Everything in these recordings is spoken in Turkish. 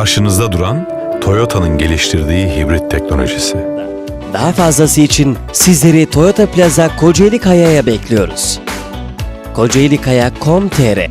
Karşınızda duran Toyota'nın geliştirdiği hibrit teknolojisi. Daha fazlası için sizleri Toyota Plaza Kocaeli Kaya'ya bekliyoruz. kocaalikaya.com.tr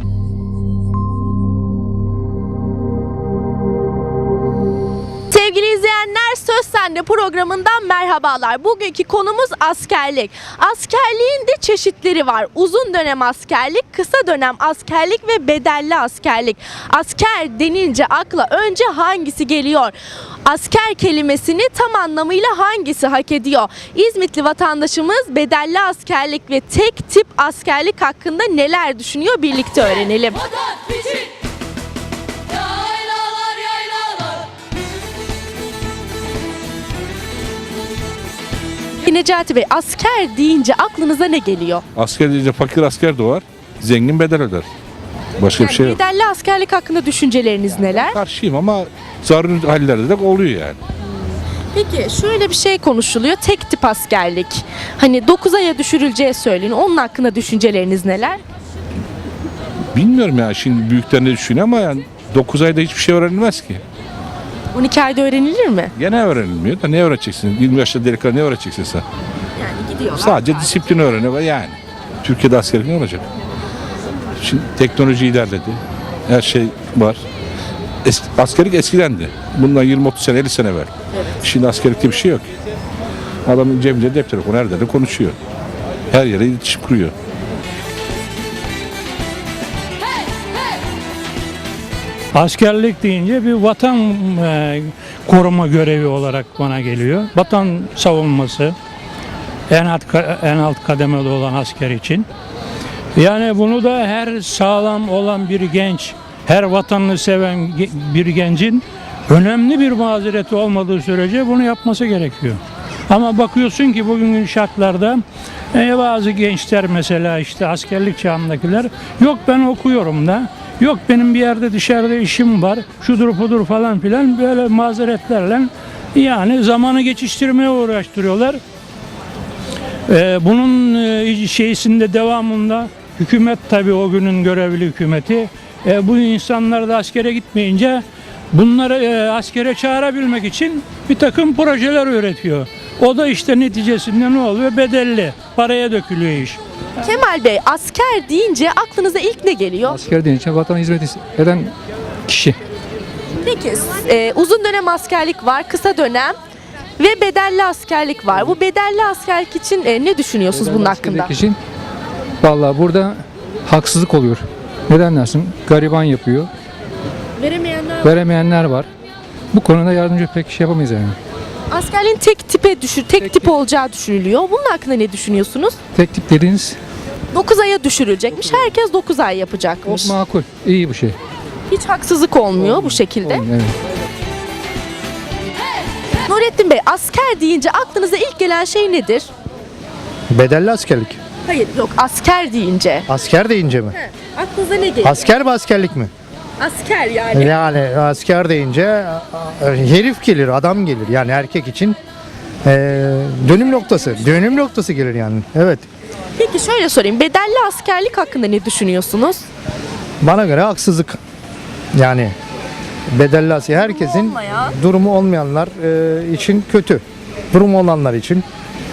Sevgili izleyenler, Söz Sende programından merhabalar. Bugünkü konumuz askerlik. Askerliğin de çeşitleri var. Uzun dönem askerlik, kısa dönem askerlik ve bedelli askerlik. Asker denince akla önce hangisi geliyor? Asker kelimesini tam anlamıyla hangisi hak ediyor? İzmitli vatandaşımız bedelli askerlik ve tek tip askerlik hakkında neler düşünüyor? Birlikte öğrenelim. Necati Bey, asker deyince aklınıza ne geliyor? Asker deyince fakir asker doğar, zengin bedel öder. Başka bir şey yok. Bedelli askerlik hakkında düşünceleriniz neler? Karşıyım ama zaruri hallerde de oluyor yani. Peki şöyle bir şey konuşuluyor, tek tip askerlik. Hani 9 aya düşürüleceği söyleniyor. Onun hakkında düşünceleriniz neler? Bilmiyorum ya, şimdi büyükler ne düşünüyor ama yani 9 ayda hiçbir şey öğrenilmez ki. 12 ayda öğrenilir mi? Gene öğrenilmiyor da ne öğreteceksin? 20 yaşında delikanlı ne öğreteceksin sen? Yani gidiyorlar. Sadece disiplin öğreniyor yani. Türkiye'de askerlik ne olacak? Şimdi teknoloji ilerledi. Her şey var. Askerlik eskidendi. Bundan 20-30 sene, 50 sene evvel. Şimdi askerlikte bir şey yok. Adamın cebinde cep telefonu, her yerde konuşuyor. Her yere iletişim kuruyor. Askerlik deyince bir vatan koruma görevi olarak bana geliyor. Vatan savunması en alt kademede olan asker için. Yani bunu da her sağlam olan bir genç, her vatanını seven bir gencin önemli bir mazereti olmadığı sürece bunu yapması gerekiyor. Ama bakıyorsun ki bugünkü şartlarda bazı gençler mesela işte askerlik çağındakiler yok ben okuyorum da, yok benim bir yerde dışarıda işim var, şudur budur falan filan böyle mazeretlerle yani zamanı geçiştirmeye uğraştırıyorlar. Bunun şeysinde devamında hükümet tabii o günün görevli hükümeti bu insanlar da askere gitmeyince bunları askere çağırabilmek için bir takım projeler üretiyor. O da işte neticesinde ne oluyor? Bedelli. Paraya dökülüyor iş. Kemal Bey, asker deyince aklınıza ilk ne geliyor? Asker deyince vatana hizmet eden kişi. Peki uzun dönem askerlik var, kısa dönem ve bedelli askerlik var. Bu bedelli askerlik için ne düşünüyorsunuz bunun hakkında? Askerlik için vallahi burada haksızlık oluyor. Neden dersin? Gariban yapıyor. Veremeyenler var. Bu konuda yardımcı pek şey yapamayız yani. Askerliğin tek tip olacağı düşünülüyor. Bunun hakkında ne düşünüyorsunuz? Tek tip dediğiniz 9 aya düşürülecekmiş. Herkes 9 ay yapacakmış. çok makul. İyi bu şey. Hiç haksızlık olmuyor bu şekilde. Evet. Nurettin Bey, asker deyince aklınıza ilk gelen şey nedir? Bedelli askerlik. Hayır, yok, asker deyince. Asker deyince mi? Aklınıza ne geliyor? Asker mi askerlik mi? Asker yani. Yani asker deyince herif gelir, adam gelir. Yani erkek için dönüm noktası. Dönüm noktası gelir yani. Evet. Peki şöyle sorayım. Bedelli askerlik hakkında ne düşünüyorsunuz? Bana göre haksızlık. Yani bedelli asker herkesin olmayan. durumu olmayanlar için kötü. Durumu olanlar için.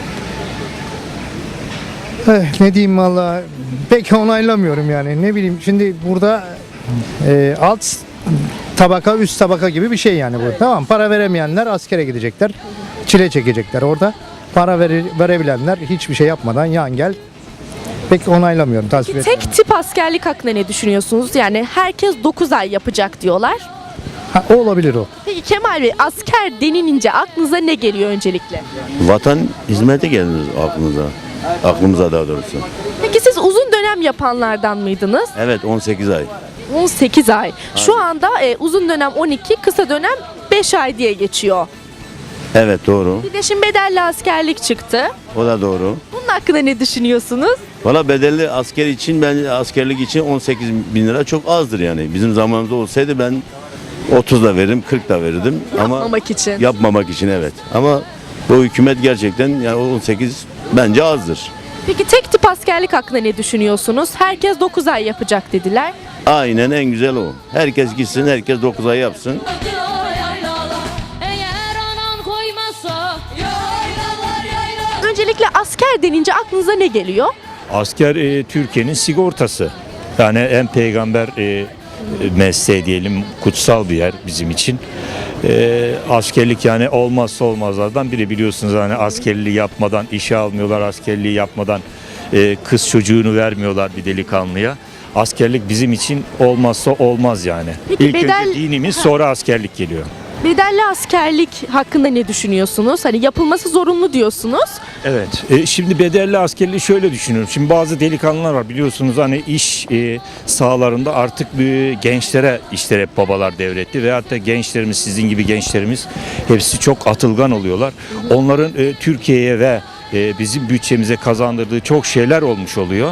Ne diyeyim valla pek onaylamıyorum yani. Ne bileyim şimdi burada alt tabaka üst tabaka gibi bir şey yani bu. Tamam, para veremeyenler askere gidecekler. Çile çekecekler orada. Para verebilenler hiçbir şey yapmadan yan gel. Pek onaylamıyorum, tasvip etmiyorum. Tek tip askerlik hakkında ne düşünüyorsunuz? Yani herkes 9 ay yapacak diyorlar. O olabilir o. Peki Kemal Bey, asker denilince aklınıza ne geliyor öncelikle? Vatan hizmeti gelir aklımıza daha doğrusu. Peki siz uzun dönem yapanlardan mıydınız? Evet, 18 ay. 18 ay. Şu anda uzun dönem 12, kısa dönem 5 ay diye geçiyor. Evet, doğru. Bir de şimdi bedelli askerlik çıktı. O da doğru. Bunun hakkında ne düşünüyorsunuz? Valla bedelli asker için, ben askerlik için 18 bin lira çok azdır yani. Bizim zamanımızda olsaydı ben 30 da veririm, 40 da verirdim. Yapmamak için. Yapmamak için, evet. Ama bu hükümet gerçekten yani 18 bence azdır. Peki tek tip askerlik hakkında ne düşünüyorsunuz? Herkes 9 ay yapacak dediler. Aynen, en güzel o. Herkes gitsin, herkes 9 ay yapsın. Asker denince aklınıza ne geliyor? Asker Türkiye'nin sigortası. Yani hem peygamber mesleği diyelim, kutsal bir yer bizim için. Askerlik yani olmazsa olmazlardan biri, biliyorsunuz hani askerliği yapmadan işe almıyorlar, askerliği yapmadan kız çocuğunu vermiyorlar bir delikanlıya. Askerlik bizim için olmazsa olmaz yani. Peki İlk önce dinimiz, sonra askerlik geliyor. Bedelli askerlik hakkında ne düşünüyorsunuz? Hani yapılması zorunlu diyorsunuz. Evet. Şimdi bedelli askerliği şöyle düşünüyorum. Şimdi bazı delikanlılar var, biliyorsunuz hani iş sahalarında artık gençlere işler hep babalar devretti. Veyahut da gençlerimiz, sizin gibi gençlerimiz hepsi çok atılgan oluyorlar. Onların Türkiye'ye ve bizim bütçemize kazandırdığı çok şeyler olmuş oluyor.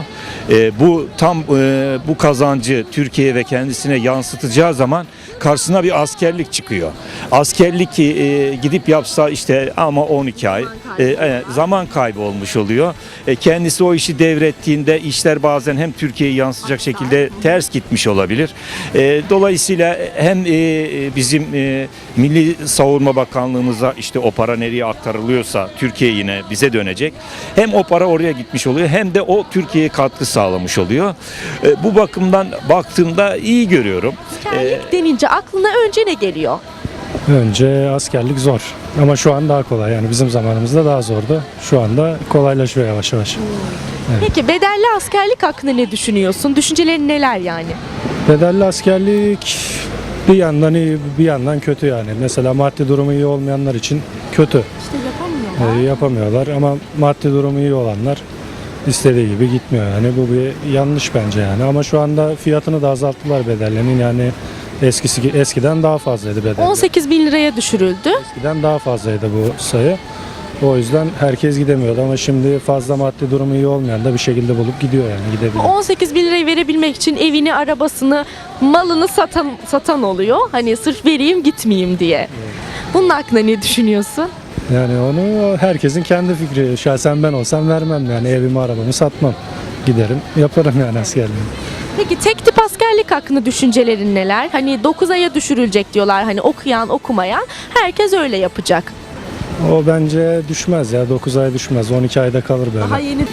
Bu kazancı Türkiye'ye ve kendisine yansıtacağı zaman karşısına bir askerlik çıkıyor. Askerlik gidip yapsa işte ama 12 ay zaman kaybı olmuş oluyor. Kendisi o işi devrettiğinde işler bazen hem Türkiye'ye yansıyacak şekilde ters gitmiş olabilir. Dolayısıyla hem bizim Milli Savunma Bakanlığımıza işte o para nereye aktarılıyorsa Türkiye yine bize dönecek. Hem o para oraya gitmiş oluyor hem de o Türkiye'ye katkı sağlamış oluyor. Bu bakımdan baktığımda iyi görüyorum. Askerlik denince aklına önce ne geliyor? Önce askerlik zor ama şu an daha kolay, yani bizim zamanımızda daha zordu. Şu anda kolaylaşıyor yavaş yavaş. Peki bedelli askerlik hakkında ne düşünüyorsun? Düşüncelerin neler yani? Bedelli askerlik bir yandan iyi bir yandan kötü yani. Mesela maddi durumu iyi olmayanlar için kötü. İşte yapamıyorlar. Yapamıyorlar ama maddi durumu iyi olanlar istediği gibi gitmiyor yani. Bu bir yanlış bence yani, ama şu anda fiyatını da azalttılar bedellerinin, yani eskiden daha fazlaydı bedeller. 18 bin liraya düşürüldü. Eskiden daha fazlaydı bu sayı. O yüzden herkes gidemiyordu ama şimdi fazla maddi durumu iyi olmayan da bir şekilde bulup gidiyor, yani gidebiliyor. 18 bin lirayı verebilmek için evini, arabasını, malını satan oluyor. Hani sırf vereyim gitmeyeyim diye. Bunun hakkında ne düşünüyorsun? Yani onu herkesin kendi fikri. Şahsen ben olsam vermem, yani evimi arabamı satmam. Giderim yaparım yani askerliğimi. Peki tek tip askerlik hakkında düşüncelerin neler? Hani 9 aya düşürülecek diyorlar, hani okuyan okumayan herkes öyle yapacak. O bence düşmez ya, 9 ay düşmez, 12 ayda kalır böyle. Daha yeni.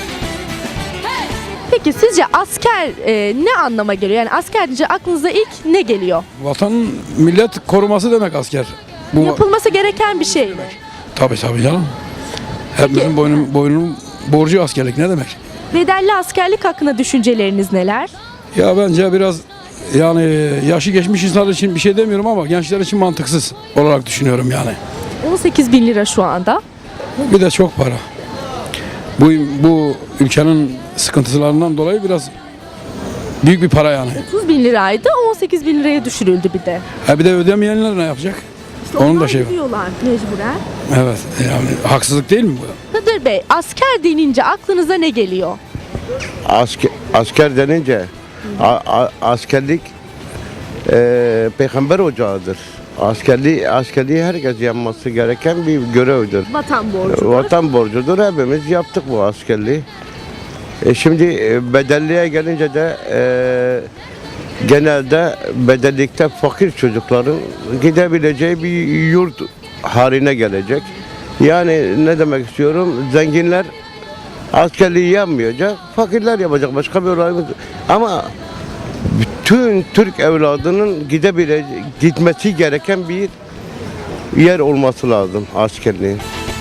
Peki sizce asker ne anlama geliyor? Yani asker deyince aklınıza ilk ne geliyor? Vatan millet koruması demek asker. Bu Yapılması gereken bir şey mi? tabii canım. Hepimizin boynunun borcu askerlik ne demek? Bedelli askerlik hakkında düşünceleriniz neler? Ya bence biraz yani yaşı geçmiş insanlar için bir şey demiyorum ama gençler için mantıksız olarak düşünüyorum yani. 18 bin lira şu anda. Bir de çok para. Bu ülkenin sıkıntılarından dolayı biraz büyük bir para yani. 30 bin liraydı, 18 bin liraya düşürüldü bir de. Bir de ödemeyenler ne yapacak? Onun da şey var. Gidiyorlar mecburen. Evet, yani haksızlık değil mi bu? Kadir Bey, asker denince aklınıza ne geliyor? Asker denince askerlik peygamber ocağıdır. Askerliği herkes yapması gereken bir görevdir. Vatan borcu. Vatan borcudur. Hepimiz yaptık bu askerliği. Şimdi bedelliye gelince de genelde bedellikte fakir çocukların gidebileceği bir yurt haline gelecek. Yani ne demek istiyorum? Zenginler askerliği yapmayacak, fakirler yapacak. Başka bir olayımız. Ama bütün Türk evladının gitmesi gereken bir yer olması lazım askerliğin.